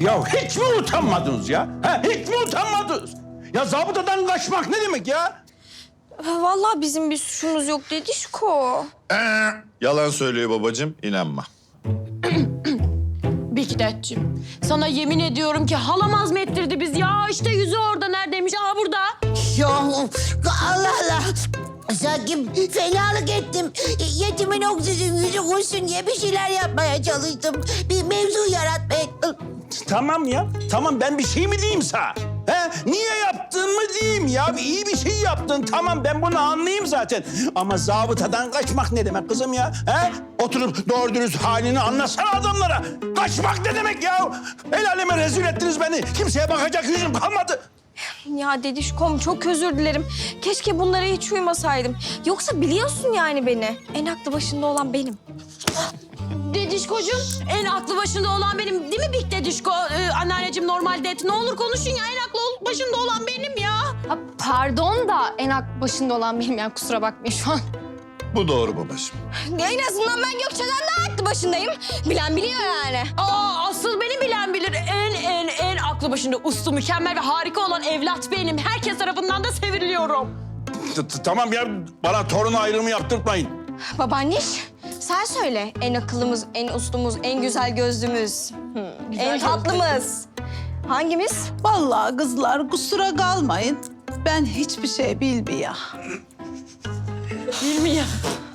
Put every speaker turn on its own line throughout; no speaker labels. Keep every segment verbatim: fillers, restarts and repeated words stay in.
Ya hiç mi utanmadınız ya? Ha, hiç mi utanmadınız? Ya zabıtadan kaçmak ne demek ya?
Vallahi bizim bir suçumuz yok Dedişko.
Ee, yalan söylüyor babacığım, inanma.
Bikdetciğim, sana yemin ediyorum ki halam azmettirdi biz. Ya işte yüzü orada neredeymiş? Aa burada.
Ya Allah Allah. Sanki fenalık ettim. Yetimin oksijen yüzü koşsun diye bir şeyler yapmaya çalıştım. Bir mevzu yaratmaya...
Tamam ya. Tamam ben bir şey mi diyeyim sana? He? Niye yaptın mı diyeyim ya? İyi bir şey yaptın. Tamam ben bunu anlayayım zaten. Ama zabıtadan kaçmak ne demek kızım ya? He? Oturup doğru dürüst halini anlatsana adamlara. Kaçmak ne demek ya? El aleme rezil ettiniz beni. Kimseye bakacak yüzüm kalmadı.
Ya Dedişkom çok özür dilerim. Keşke bunlara hiç uymasaydım. Yoksa biliyorsun yani beni. En aklı başında olan benim.
Dedişkocuğum, en aklı başında olan benim değil mi Bik Dedişko? Ee, anneanneciğim normalde et. Ne olur konuşun ya, en aklı başında olan benim ya.
Ha, pardon da en aklı başında olan benim yani kusura bakmayın şu an.
Bu doğru babacığım.
En azından ben Gökçe'den daha aklı başındayım. Bilen biliyor yani.
Aa, asıl beni bilen bilir. En en en aklı başında uslu, mükemmel ve harika olan evlat benim. Herkes tarafından da seviliyorum.
T- t- Tamam ya bana torun ayrımı yaptırtmayın.
Babaanneş sen söyle. En akıllımız, en uslumuz, en güzel gözlümüz. Hmm, en tatlımız. Hangimiz?
Vallahi kızlar kusura kalmayın. Ben hiçbir şey bilmiyorum.
Bilmiyor.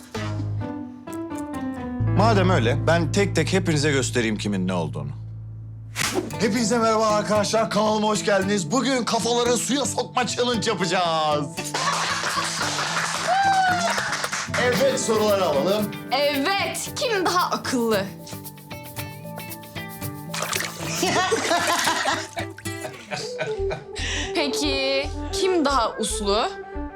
Madem öyle, ben tek tek hepinize göstereyim kimin ne olduğunu. Hepinize merhaba arkadaşlar, kanalıma hoş geldiniz. Bugün kafaları suya sokma challenge yapacağız. Evet, soruları alalım.
Evet, kim daha akıllı? Peki kim daha uslu?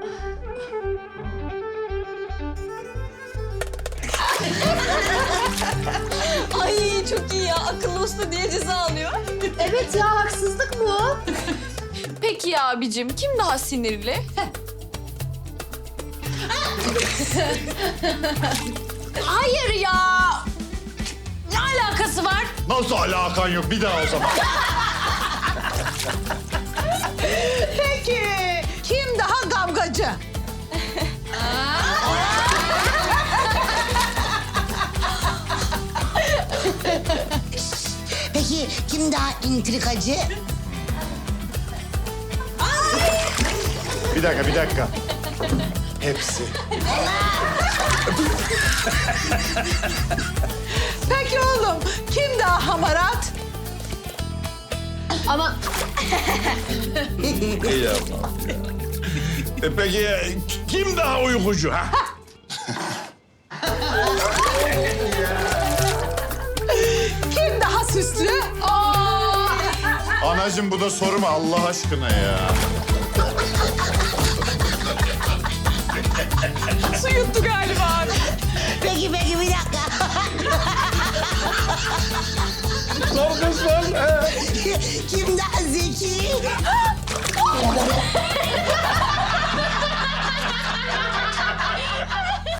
Ay çok iyi ya. Akıllı usta diye ceza alıyor.
Evet ya haksızlık bu. Peki ya abicim kim daha sinirli?
Hayır ya. Ne alakası var?
Nasıl alakan yok? Bir daha o zaman.
Peki kim daha kavgacı?
Peki kim daha intrikacı?
Bir dakika, bir dakika. Hepsi.
Peki oğlum kim daha hamarat?
Ama
İyi yapma.
E peki kim daha uykucu ha?
Kim daha süslü?
Anacığım bu da soru mu Allah aşkına ya?
Su yuttu galiba.
Peki peki bir dakika.
Sor kız sor. He.
Kim daha zeki?